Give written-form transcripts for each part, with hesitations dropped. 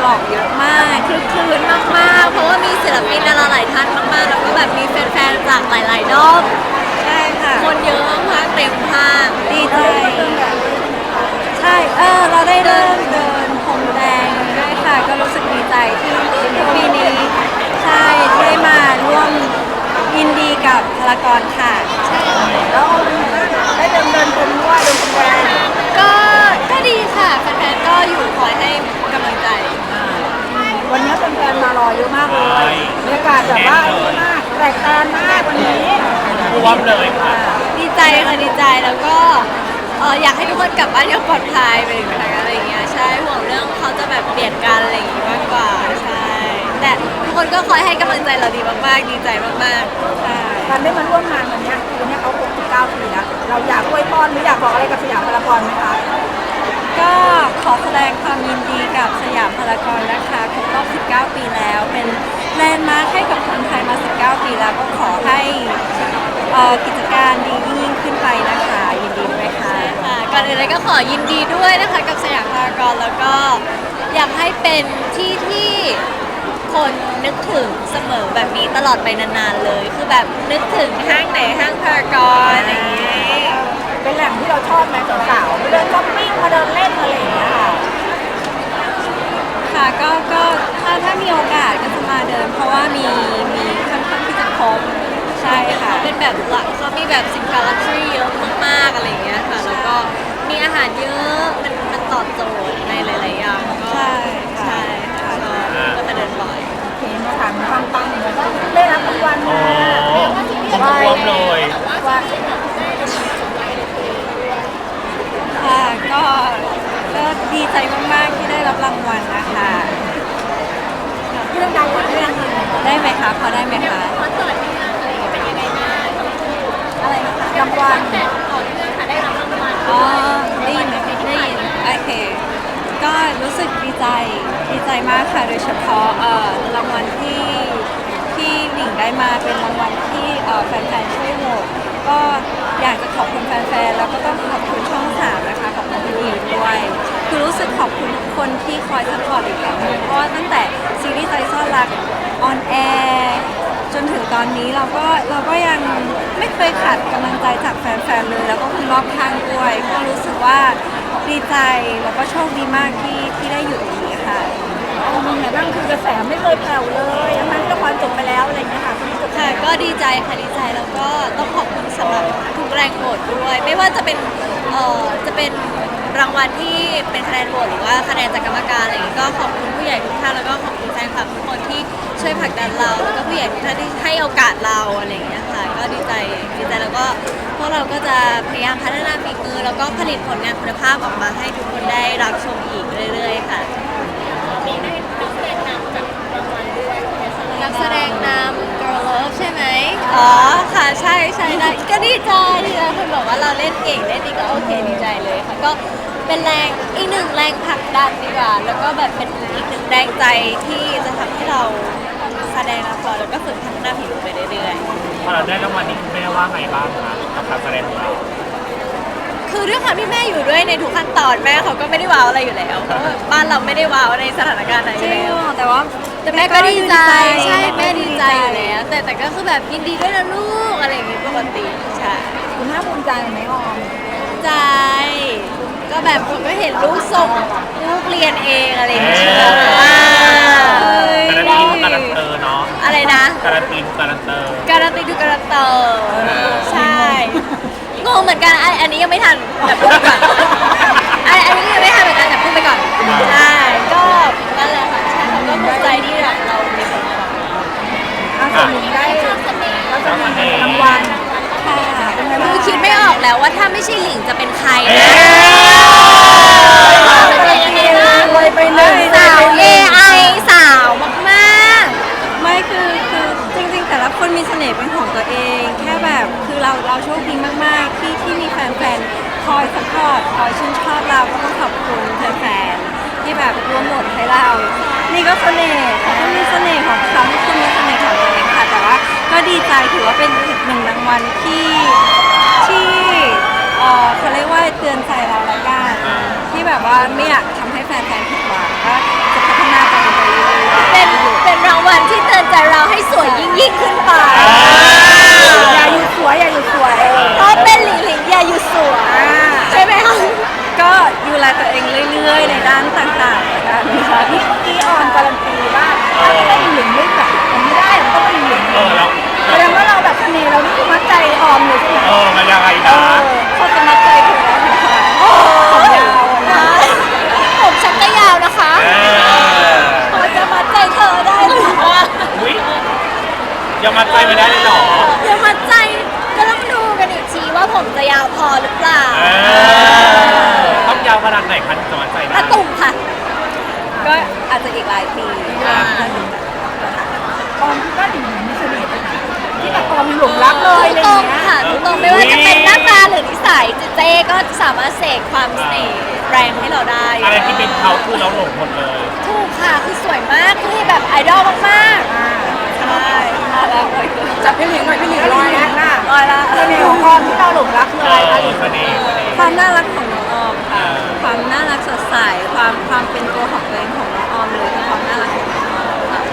บอกเยอะมากคลึกคลื้นมากๆเพราะว่ามีศิลปินดาราหลายท่านมากๆแล้วก็แบบมีแฟนๆจากหลายๆด้อมใช่ค่ะคนเยอะมากเต็มห้างดีใจใช่เราได้เริ่มเดินพรมแดงด้วยค่ะก็รู้สึกดีใจที่ปีนี้ใช่ที่ได้มาร่วมยินดีกับพารากอนค่ะแล้วได้เดินพรมด้วยเดินพรมแดงก็ดีค่ะแฟนๆก็อยู่คอยให้กำลังใจวันนี้แฟนๆมารอเยอะมากเลยบรรยากาศแบบว่าดีมากแตกต่างมากวันนี้รวมเลยค่ะดีใจค่ะดีใจแล้วก็อยากให้ทุกคนกลับบ้านอย่างปลอดภัยไปถึงไหนอะไรอย่างเงี้ยใช่ห่วงเรื่องเขาจะแบบเปลี่ยนกันอะไรอย่างงี้มากกว่าใช่แต่ทุกคนก็คอยให้กำลังใจเราดีมากๆดีใจมากๆใช่การได้มาร่วมงานวันนี้เขา69 ปีแล้วเราอยากอวยพรหรืออยากบอกอะไรกับสยามพารากอนไหมคะก็ขอแสดงความยินดีกับสยามพารากอนนะคะครบรอบ19 ปีแล้วเป็นแลนด์มาร์คให้กับคนไทยมา19 ปีแล้วก็ขอให้กิจการดียิ่งขึ้นไปนะคะยินดีด้วยค่ะก่อนอื่นเลยก็ขอยินดีด้วยนะคะกับสยามพารากอนแล้วก็อยากให้เป็นที่ที่คนนึกถึงเสมอแบบนี้ตลอดไปนานๆเลยคือแบบนึกถึงห้างไหนห้างพารากอนอย่างนี้เป็นแหล่งที่เราชอบไหมสาวๆมาเดินช้อปปิ้งมาเดินเล่นอะไรอย่างเงี้ยค่ะก็ถ้ามีโอกาสก็จะมาเดินเพราะว่ามีค่อนข้างที่จะครบใช่ค่ะเป็นแบบเขามีแบบสินค้าลักชัวรี่เยอะมากๆอะไรอย่างเงี้ยค่ะแล้วก็มีอาหารเยอะมันตอบโจทย์ในหลายๆอย่างก็ใช่ค่ะก็มาเดินบ่อยเห็นมาถามปังๆแล้วก็ได้รับรางวัลมารวมเลยค่ะก็ดีใจมากๆที่ได้รับรางวัลนะคะเรื่องดังเรื่องได้ไหมคะพอได้ไหมคะเป็นยังไงบ้างอะไรนะคะรางวัลต่อเนื่องค่ะได้รับรางวัลได้ยินโอเคก็รู้สึกดีใจมากค่ะโดยเฉพาะรางวัลที่หลิงได้มาเป็นรางวัลที่แฟนๆช่วยโหวตก็อยากจะขอบคุณแฟนๆแล้วก็ต้องขอบคุณช่อง3นะคะขอบคุณพี่ด้วยคือรู้สึกขอบคุณทุกคนที่คอยซัพพอร์ตอีกครั้งนึงเพราะว่าตั้งแต่ซีรีส์ใจซ่อนรักออนแอร์จนถึงตอนนี้เราก็ยังไม่เคยขาดกำลังใจจากแฟนๆเลยแล้วก็คนรอบข้างด้วยก็รู้สึกว่าดีใจแล้วก็โชคดีมากที่ได้อยู่ตรงนี้ค่ะมีไงบ้างคือกระแสไม่เคยแผ่วเลยทั้งที่ละครจบไปแล้วอะไรอย่างเงี้ยค่ะค่ะก็ดีใจค่ะดีใจแล้วก็ต้องขอบคุณสำหรับทุกแรงโหวตด้วยไม่ว่าจะเป็นรางวัลที่เป็นคะแนนโหวตหรือว่าคะแนนจากกรรมการอะไรอย่างงี้ก็ขอบคุณผู้ใหญ่ทุกท่านแล้วก็ขอบคุณแฟนคลับทุกคนที่ช่วยผลักดันเราแล้วก็ผู้ใหญ่ทุกท่านที่ให้โอกาสเราอะไรอย่างเงี้ยค่ะก็ดีใจแล้วก็พวกเราก็จะพยายามพัฒนาฝีมือแล้วก็ผลิตผลงานคุณภาพออกมาให้ทุกคนได้รับชมอีกเรื่อยๆค่ะนักแสดงนำ Girl Love ใช่ไหมอ๋อค่ะใช่ได้ก็ดีใจคนบอกว่าเราเล่นเก่งเล่นดีก็โอเคดีใจเลยค่ะก็เป็นอีกหนึ่งแรงผลักดันดีกว่าแล้วก็แบบเป็นอีกหนึ่งแรงใจที่จะทำให้เราแสดงละครแล้วก็ฝึกพัฒนาฝีมือไปเรื่อยๆพอเราได้รางวัลนี้คุณแม่ว่าไงบ้างคะกับการแสดงของเราคือด้วยความที่แม่อยู่ด้วยในทุกขั้นตอนแม่เขาก็ไม่ได้ว้าวอะไรอยู่แล้วเพราะว่าบ้านเราไม่ได้ว้าวในสถานการณ์ไหนอยู่แล้วแต่แม่ก็ดีใจใช่แม่ดีใจอยู่แล้วแต่ก็คือแบบยินดีด้วยนะลูกอะไรอย่างงี้ปกติใช่คุณน่าภูมิใจไหมออมใจก็แบบผมก็เห็นลูกส่งลูกเรียนเองอะไรอย่างเงี้ยการันตีการันเตอร์เนาะอะไรนะการันตีการันเตอร์ใช่งงเหมือนกันอันนี้ยังไม่ทันแต่พูดไปก่อนอันนี้ยังไม่ทันเหมือนกันแต่พูดไปก่อนใช่ก็นั่นแหละค่ะใช่เขาก็ภูมิใจที่เรามีผลงานส่วนหนึ่งได้รางวัลค่ะคือคิดไม่ออกแล้วว่าถ้าไม่ใช่หลิงจะเป็นใครนะเลยไปเลยสาว AI สาวมากๆไม่คือจริงๆแต่ละคนมีเสน่ห์เป็นของตัวเองแค่แบบคือเราโชคดีมากๆที่มีแฟนๆคอยซัพพอร์ตคอยชื่นชอบเราก็ต้องขอบคุณแฟนๆที่แบบร่วมโหวตให้เรานี่ก็เสน่ห์เขาก็มีเสน่ห์ของเขาทุกคนมีเสน่ห์ของตัวเองค่ะแต่ว่าก็ดีใจถือว่าเป็นอีกหนึ่งรางวัลที่เขาเรียกว่าเตือนใจเราละกันที่แบบว่าไม่อยากทำให้แฟนๆผิดหวังก็จะพัฒนาไปเป็นรางวัลที่เตือนใจเราให้สวยยิ่งขึ้นไปอย่าหยุดสวยอย่าหยุดสวยเพราะเป็นหลิงหลิงอย่าหยุดสวยใช่ไหมคะก็ดูแลตัวเองเรื่อยๆ ในด้านต่างๆนะคะนี่เมื่อกี้ออนการันตีว่าถ้าไม่ได้หลิงไม่แบบมันไม่ได้มันต้องเป็นหลิงแล้วแสดงว่าเราแบบเสน่ห์เรานี่คือมัดใจออมเลยใช่ไหมมันยังไงนะเขาจะมาใจถึงแล้วนะคะผมยาวนะผมฉันก็ยาวนะคะพอจะมาใจเธอได้หรืออุ้ยยังมาใจไม่ได้เลยเหรออย่ามาใจก็ต้องดูกันอีกทีว่าผมจะยาวพอหรือเปล่าต้องยาวขนาดไหนคะถึงจะมาใจตะได้ตุ่มค่ะก็อาจจะอีกหลายปีออมคิดว่าหลิงมีเสน่ห์ไหมคะที่แบบออมหลงรักเลยอะไรตอรย่าง งเงี้ยค่ะตรงไม่ว่าจะเป็นหน้าตาหรือนิสัยเจ๊ก็สามารถเสกความเสน่ห์แรงให้เราได้อะไรที่เป็นเขาคือเราหลงหมดเลยถูกค่ะคือสวยมากคือแบบไอดอลมากๆใช่น่ารักเลยจับพี่หลิงหน่อยพี่หลิงลอยนะหน้าลอยละเสน่ห์ของออมที่เราหลงรักคืออะไรคะหลิงเสน่ห์ความน่ารักของน้องออมค่ะ ความน่ารักสดใส ความเป็นตัวของตัวเองของน้องออมเลยคือความน่ารักของน้องออมค่ะ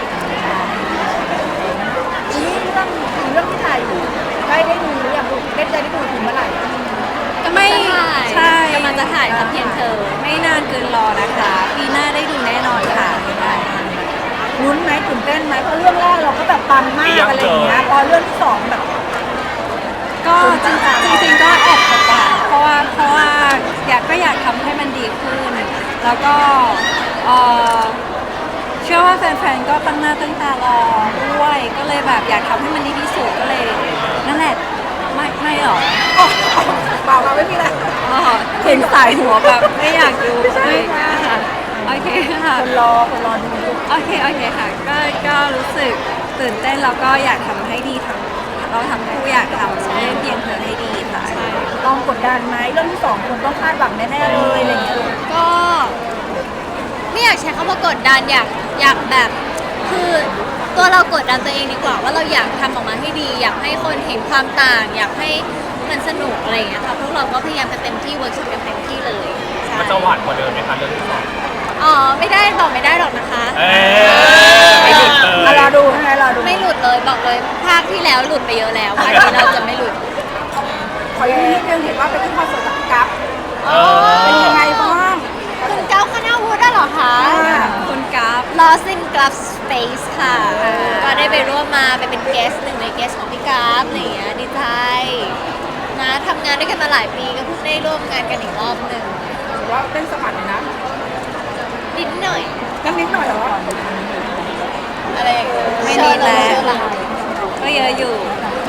นี่เรื่องที่ถ่ายอยู่ใกล้ได้ดูหรือยังลูกได้ดูถึงเมื่อไหร่ไม่ใช่ใช่กำลังจะถ่ายทำเพียงเธอไม่นานเกินรอนะคะ ปีหน้าได้ดูแน่นอนค่ะลุ้นไหมตื่นเต้นไหมเพราะเรื่องแรกเราก็แบบปังมากอะไรอย่างเงี้ยพอเรื่องที่สองแบบก็จริงๆก็แอบกดดันเพราะว่าอยากทำให้มันดีขึ้น แล้วก็เอ่อเชื่อว่าแฟนๆก็ตั้งหน้าตั้งตารอด้วย ก็เลยแบบอยากทำให้มันดีที่สุดก็เลยนั่นแหละไม่หรอกเปล่าค่ะไม่มีอะไรอ๋อเห็นสายหัวแบบไม่อยากดูไม่ใช่ค่ะโอเคค่ะคนรอดูลูกโอเคค่ะก็รู้สึกตื่นเต้นแล้วก็อยากทำให้ดีทั้งเราทำคู่อยากทำเรื่องเพียงเธอให้ดีค่ะลองกดดันไหมเรื่องที่สองคนต้องคาดหวังแน่ๆเลยอะไรอย่างเงี้ยลูกก็ไม่อยากใช้คำว่ากดดันอยากแบบคือตัวเรากดดันตัวเองดีกว่าว่าเราอยากทำออกมาให้ดี อยากให้คนเห็นความต่าง อยากให้มันสนุกอะไรอย่างเงี้ยค่ะพวกเราก็พยายามกันเต็มที่เวิร์กช็อปกันเต็มที่เลยใช่มันจะหวานกว่าเดิมไหมคะเรื่องที่สองอ๋อไม่ได้บอกไม่ได้หรอกนะคะไม่หลุดเลยรอดูใช่ไหมรอดูไม่หลุดเลยบอกเลยภาคที่แล้วหลุดไปเยอะแล้วภาคนี้เราจะไม่หลุดขออย่างนี้นิดนึงเห็นว่าไปขึ้นคอนเสิร์ตกับพี่กั๊บเป็เป็น นยัยัง งไงไงบ้าบ้าง งคุณเก้าคณาวุฒิได้เหรอคะคุณกราฟ Lost in Glove Space ค่ะ ก็ได้ไปร่วมมาไปเป็นเกสหนึ่งในเกสของพี่กราฟอะไรอย่างเงี้ยดีใจนะทำงานด้วยกันมาหลายปีก็เพิ่งได้ร่วมงานกันอีกรอบหนึ่งถือว่าเต้นสะบัดเลยนะนิดหน่อยกันนิดหน่อยเหรออะไรอย่างเงี้ยไม่นิดแล้วเชิญเลยก็เยอะอยู่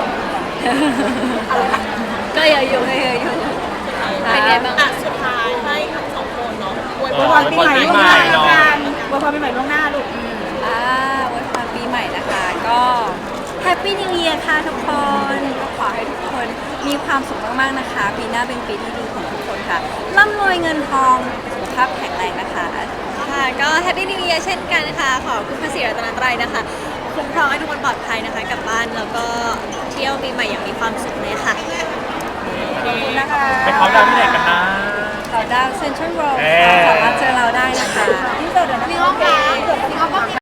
ก็เยอะอยู่ก็เยอะอยู่เป็นไงบ้างสุดท้ายให้ทั้งสองคนเนาะอวยอวยพรปีใหม่ล่วงหน้าแล้วกันอวยพรปีใหม่ล่วงหน้าลูกวันพรปีใหม่นะคะ ก็แฮปปี้นิว e ย r ค่ะทุกคนก็ขอให้ทุกคนมีความสุขมากๆนะคะ ปีหน้าเป็นปีที่ดีของทุกคนค่ะร่ำรวยเงินทองสุขภาพแข็งแรงนะคะค่ะก็แฮปปี้นิว e ย r เช่นกันค่ะขอคุณพระศรีรัตนตรัยนะคะคุ้มครองให้ทุกคนปลอดภัยนะคะกลับบ้านแล้วก็เที่ยวปีใหม่อย่างมีความสุขเลยค่ะขอบคุณนะคะไปเขาดาวน์ที่ไหนกันนะเราดาวเซ็นทรัลโรลเอ๊ะสามารถเจอเราได้นะคะที่เสิร์ตเดี๋ยวนะมีห้องน้ำที่เสิร์ต